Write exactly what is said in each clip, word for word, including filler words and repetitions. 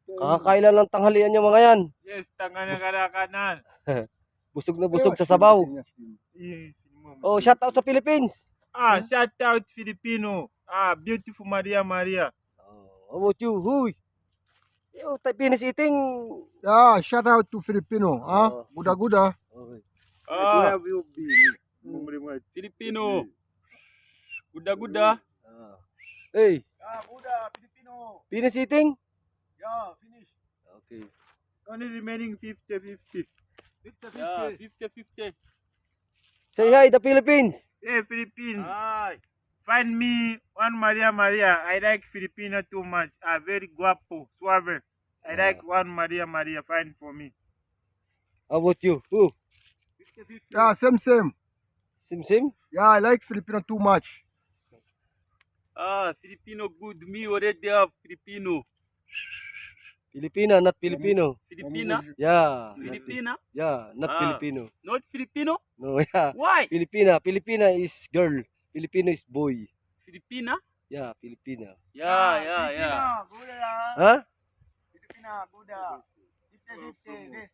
Kakakailan lang tanghalian yung mga yan. Yes, tanga na kalakanan. Busog na busog sa sabaw. Yes. Oh, shout out sa Philippines. Ah, shout out Filipino. Ah, beautiful Maria Maria. Oh, how about you? Huy. Yo, tayo finish eating. Yeah, shout out to Filipino. Ah, Oh. guda-guda. Okay. Ah, where have you been? Filipino. Guda-guda. Ah. Hey, Ah, Buddha, Filipino. finish eating? Yeah, finish. Okay. Only remaining fifty fifty. fifty Yeah, fifty fifty. Say hi, the Philippines. Yeah, Philippines. Hi. Find me one Maria Maria. I like Filipino too much. Ah, very guapo, suave. I like one Maria Maria. Find for me. How about you? Who? Yeah, same same. Sim Sim? Yeah, I like Filipino too much. Ah, Filipino good. Me already have Filipino. Filipina, not Filipino. Filipina? Yeah. not- Filipina? Yeah, not Ah. Filipino. Not Filipino? No, yeah. Why? Filipina. Filipina is girl. Filipino is boy. Filipina? Yeah, Filipina. Yeah, yeah, yeah. Buddha. Huh? Filipina, Buddha. fifty fifty. This.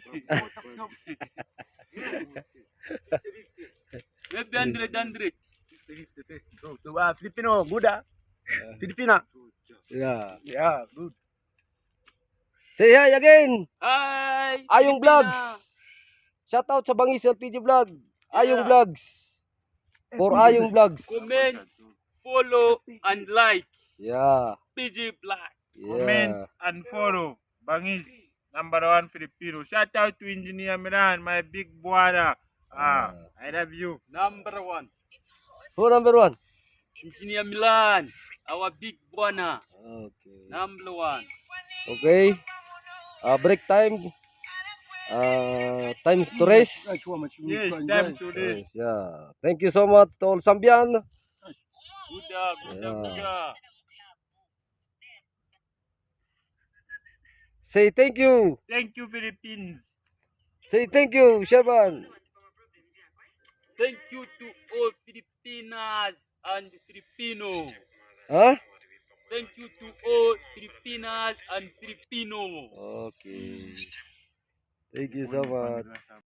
Maybe hundred, hundred. Ah, Filipino, Buddha. Filipina. Yeah. Yeah, good. Say hi again. Hi. Ayong Filipina. Vlogs. Shout out sa Bangis L P G Vlog. Ayong Yeah. Vlogs. For Ayong Vlogs. Comment, follow, and like. Yeah. P G Black. Comment Yeah. and follow. Bangis, number one Filipino. Shout out to Engineer Milan, my big brother. Ah, I love you. Number one. Who number one? Engineer Milan. Our big buana. Okay. Number one. Okay. Uh, break time. Uh, time to rest. Yes, time to this. Yes, yeah. Thank you so much to all Sambian. Buddha, Buddha, Yeah. Buddha. Say thank you. Thank you, Philippines. Say thank you, Shaban. Thank you to all Filipinas and Filipino. Huh? Thank you to all Filipinas and Filipino. Okay. Thank you so much.